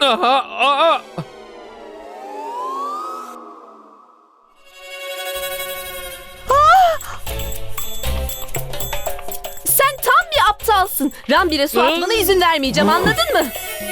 Aha, aa. Sen tam bir aptalsın. Rambir'e su atmana izin vermeyeceğim, anladın mı?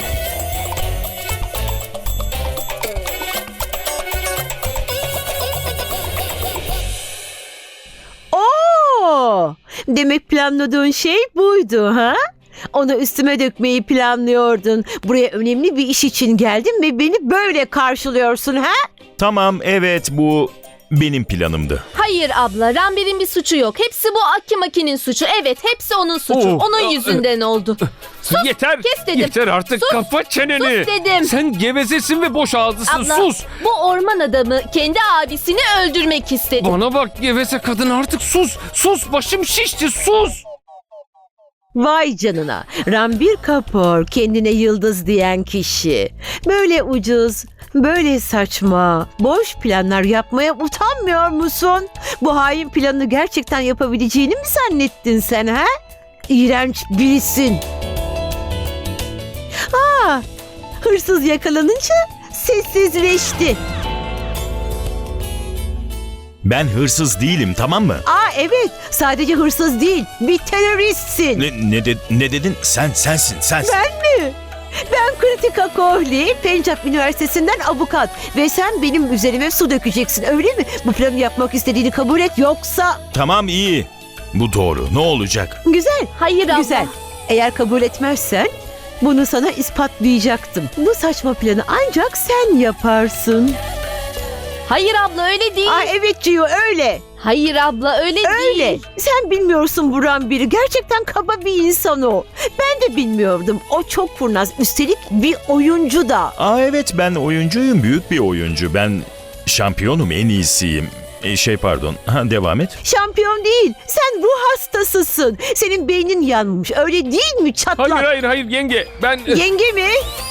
Oo! Demek planladığın şey buydu ha? Onu üstüme dökmeyi planlıyordun. Buraya önemli bir iş için geldin ve beni böyle karşılıyorsun ha? Tamam, evet, bu benim planımdı. Hayır abla, Rambir'in bir suçu yok. Hepsi bu Akimaki'nin suçu. Evet, hepsi onun suçu. Oh, Onun yüzünden oldu. Yeter. kes dedim. Yeter artık, Sus, kapa çeneni. sus dedim. Sen gevezesin ve boş ağzısın. Abla, Sus. bu orman adamı kendi abisini öldürmek istedi. Bana bak geveze kadın, artık sus. Sus, başım şişti, sus. Vay canına. Ranbir Kapoor, kendine yıldız diyen kişi. Böyle ucuz, böyle saçma, boş planlar yapmaya utanmıyor musun? Bu hain planını gerçekten yapabileceğini mi zannettin sen ha? İğrenç birisin. Hırsız yakalanınca sessizleşti. Ben hırsız değilim, tamam mı? Evet, sadece hırsız değil, bir teröristsin. Ne dedin? Sensin. Ben mi? Ben Kritika Kohli, Pencap Üniversitesi'nden avukat ve sen benim üzerime su dökeceksin, öyle mi? Bu planı yapmak istediğini kabul et, yoksa... Tamam, iyi. Bu doğru. Ne olacak? Güzel, Hayır abla. güzel. Eğer kabul etmezsen bunu sana ispatlayacaktım. Bu saçma planı ancak sen yaparsın. Hayır abla, öyle değil. Evet Ciyo, öyle. Hayır abla, öyle Öyle. değil. Sen bilmiyorsun Buran biri. Gerçekten kaba bir insan o. Ben de bilmiyordum. O çok kurnaz. Üstelik bir oyuncu da. Evet, ben oyuncuyum. Büyük bir oyuncu. Ben şampiyonum, en iyisiyim. Devam et. Şampiyon değil. Sen ruh hastasısın. Senin beynin yanmış. Öyle değil mi çatlak? Hayır yenge. Ben... Yenge mi?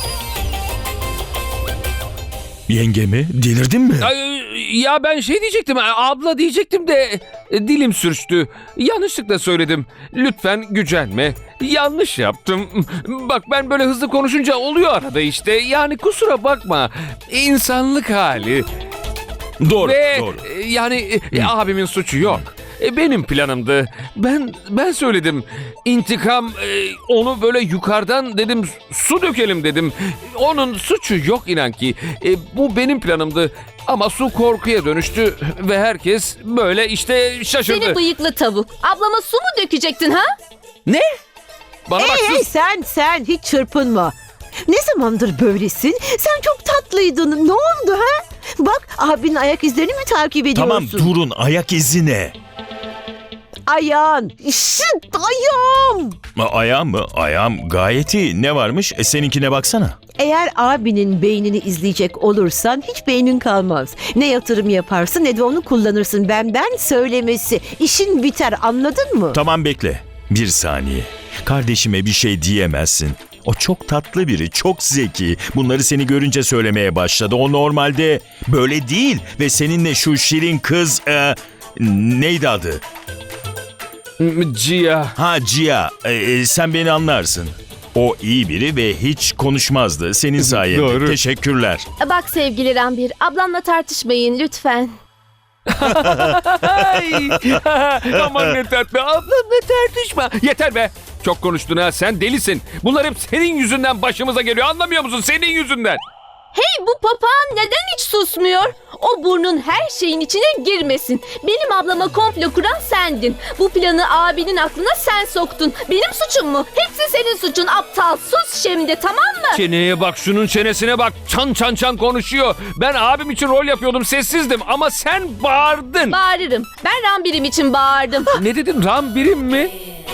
Yenge mi? Delirdin mi? Ya ben şey diyecektim, abla diyecektim de dilim sürçtü. Yanlışlıkla söyledim. Lütfen gücenme. Yanlış yaptım. Bak, ben böyle hızlı konuşunca oluyor arada işte. Yani kusura bakma. İnsanlık hali. Doğru. Yani abimin suçu yok. Benim planımdı. Ben söyledim. İntikam, onu böyle yukarıdan dedim, su dökelim dedim. Onun suçu yok inan ki. Bu benim planımdı. Ama su korkuya dönüştü ve herkes böyle işte şaşırdı. Seni bıyıklı tavuk. Ablama su mu dökecektin ha? Ne? Bana bak, sus. Sen hiç çırpınma. Ne zamandır böylesin? Sen çok tatlıydın. Ne oldu ha? Bak, abinin ayak izlerini mi takip ediyorsun? Tamam, durun. Ayak izi ne? Ayağın. Ayağım. Ayağım mı? Ayağım gayet iyi. Ne varmış? Seninkine baksana. Eğer abinin beynini izleyecek olursan hiç beynin kalmaz. Ne yatırım yaparsın ne de onu kullanırsın. Benden söylemesi. İşin biter, anladın mı? Tamam, bekle. Bir saniye. Kardeşime bir şey diyemezsin. O çok tatlı biri, çok zeki. Bunları seni görünce söylemeye başladı. O normalde böyle değil. Ve seninle şu şirin kız... neydi adı? Cia. Cia. Sen beni anlarsın. O iyi biri ve hiç konuşmazdı. Senin sayende. Doğru. Teşekkürler. Bak sevgili Rambir, ablamla tartışmayın lütfen. Ay. Aman ne tatlı. Ablamla tartışma. Yeter be. Çok konuştun ha. Sen delisin. Bunlar hep senin yüzünden başımıza geliyor. Anlamıyor musun? Senin yüzünden. Hey, bu papağan neden hiç susmuyor? O burnun her şeyin içine girmesin. Benim ablama komplo kuran sendin. Bu planı abinin aklına sen soktun. Benim suçum mu? Hepsi senin suçun aptal. Sus şimdi, tamam mı? Çeneye bak, şunun çenesine bak. Çan konuşuyor. Ben abim için rol yapıyordum, sessizdim ama sen bağırdın. Bağırırım. Ben Rambir'im için bağırdım. Ne dedin? Rambirim mi?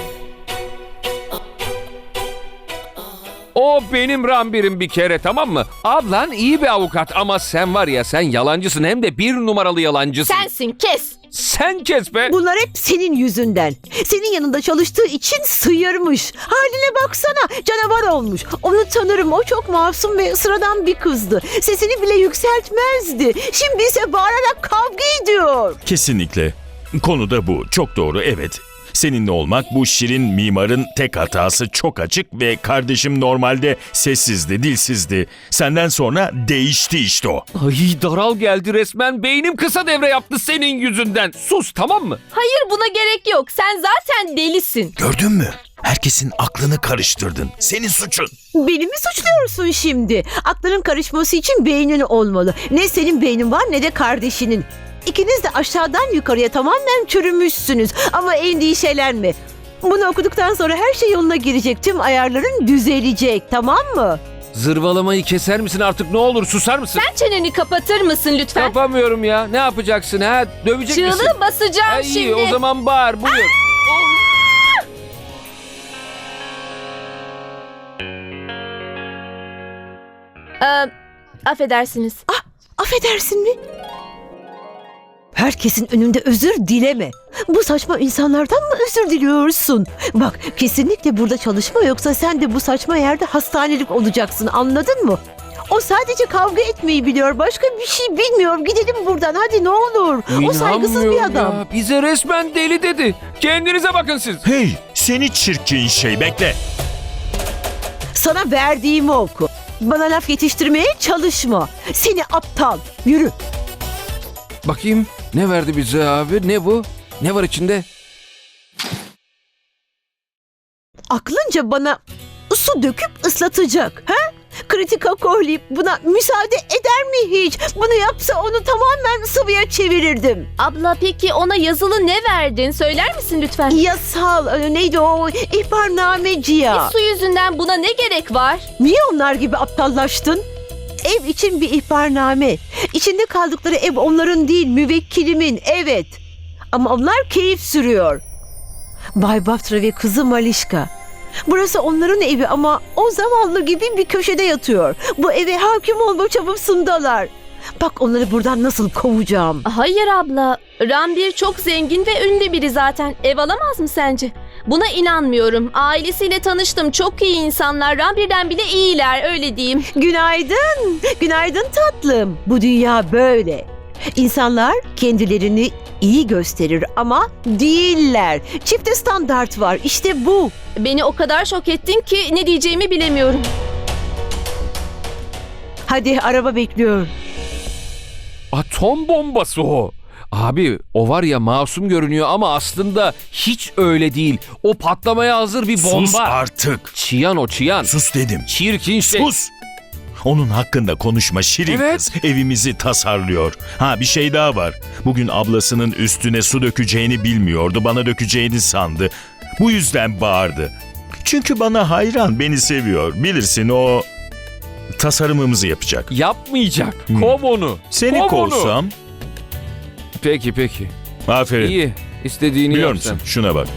O benim Rambirim bir kere, tamam mı? Ablan iyi bir avukat ama sen var ya, sen yalancısın, hem de bir numaralı yalancısın. Sensin, kes. Sen kes be. Bunlar hep senin yüzünden. Senin yanında çalıştığı için sıyırmış. Haline baksana, canavar olmuş. Onu tanırım, o çok masum ve sıradan bir kızdı. Sesini bile yükseltmezdi. Şimdi ise bağırarak kavga ediyor. Kesinlikle. Konu da bu. Çok doğru, evet. Seninle olmak bu şirin mimarın tek hatası, çok açık ve kardeşim normalde sessizdi, dilsizdi. Senden sonra değişti işte o. Ay daral geldi resmen. Beynim kısa devre yaptı senin yüzünden. Sus, tamam mı? Hayır, buna gerek yok. Sen zaten delisin. Gördün mü? Herkesin aklını karıştırdın. Senin suçun. Beni mi suçluyorsun şimdi? Aklının karışması için beynin olmalı. Ne senin beynin var ne de kardeşinin. İkiniz de aşağıdan yukarıya tamamen çürümüşsünüz. Ama endişelenme. Bunu okuduktan sonra her şey yoluna girecek. Tüm ayarların düzelecek, tamam mı? Zırvalamayı keser misin artık, ne olur susar mısın? Sen çeneni kapatır mısın lütfen? Yapamıyorum ya. Ne yapacaksın ha? Dövecek misin? Çığlığı basacağım Ay, şimdi. o zaman bağır, buyur. Affedersiniz. Affedersin mi? Herkesin önünde özür dileme. Bu saçma insanlardan mı özür diliyorsun? Bak, kesinlikle burada çalışma, yoksa sen de bu saçma yerde hastanelik olacaksın, anladın mı? O sadece kavga etmeyi biliyor, başka bir şey bilmiyor. Gidelim buradan hadi, ne olur. O saygısız bir İnanmıyorum adam. ya. Bize resmen deli dedi. Kendinize bakın siz. Hey, seni çirkin şey, bekle. Sana verdiğimi oku. Bana laf yetiştirmeye çalışma. Seni aptal. Yürü. Bakayım ne verdi bize abi? Ne bu? Ne var içinde? Aklınca bana su döküp ıslatacak. Ha? Kritika koyup buna müsaade eder mi hiç? Bunu yapsa onu tamamen sıvıya çevirirdim. Abla, peki ona yazılı ne verdin? Söyler misin lütfen? Yasal, neydi o, ihbarnameci ya. Su yüzünden buna ne gerek var? Niye onlar gibi aptallaştın? Ev için bir ihbarname. İçinde kaldıkları ev onların değil, müvekkilimin, evet. Ama onlar keyif sürüyor. Bay Batra ve kızı Malişka. Burası onların evi ama o zavallı gibi bir köşede yatıyor. Bu eve hakim olma çabasındalar. Bak onları buradan nasıl kovacağım. Hayır abla. Ranbir çok zengin ve ünlü biri zaten. Ev alamaz mı sence? Buna inanmıyorum. Ailesiyle tanıştım. Çok iyi insanlar. Ranbir'den bile iyiler, öyle diyeyim. Günaydın. Günaydın tatlım. Bu dünya böyle. İnsanlar kendilerini iyi gösterir ama değiller. Çifte standart var. İşte bu. Beni o kadar şok ettin ki ne diyeceğimi bilemiyorum. Hadi, araba bekliyor. Atom bombası o. Abi o var ya, masum görünüyor ama aslında hiç öyle değil. O patlamaya hazır bir bomba. Sus artık. Çiyan o, çiyan. Sus dedim. Çirkin şey. Sus. Onun hakkında konuşma şirin Evet. kız. Evimizi tasarlıyor. Ha, bir şey daha var. Bugün ablasının üstüne su dökeceğini bilmiyordu. Bana dökeceğini sandı. Bu yüzden bağırdı. Çünkü bana hayran, beni seviyor. Bilirsin, o tasarımımızı yapacak. Yapmayacak. Kov onu. Seni Kov onu. kovsam. Peki. Aferin. İyi. İstediğini Biliyor yap sen. musun? Şuna bak.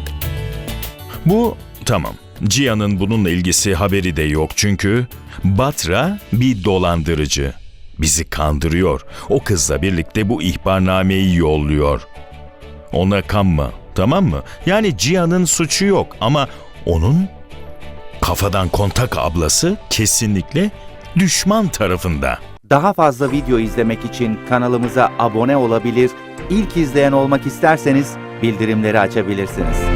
Bu tamam. Cihan'ın bununla ilgisi, haberi de yok çünkü Batra bir dolandırıcı. Bizi kandırıyor. O kızla birlikte bu ihbarnameyi yolluyor. Ona kanma, tamam mı? Yani Cihan'ın suçu yok ama onun kafadan kontak ablası kesinlikle düşman tarafında. Daha fazla video izlemek için kanalımıza abone olabilir, ilk izleyen olmak isterseniz bildirimleri açabilirsiniz.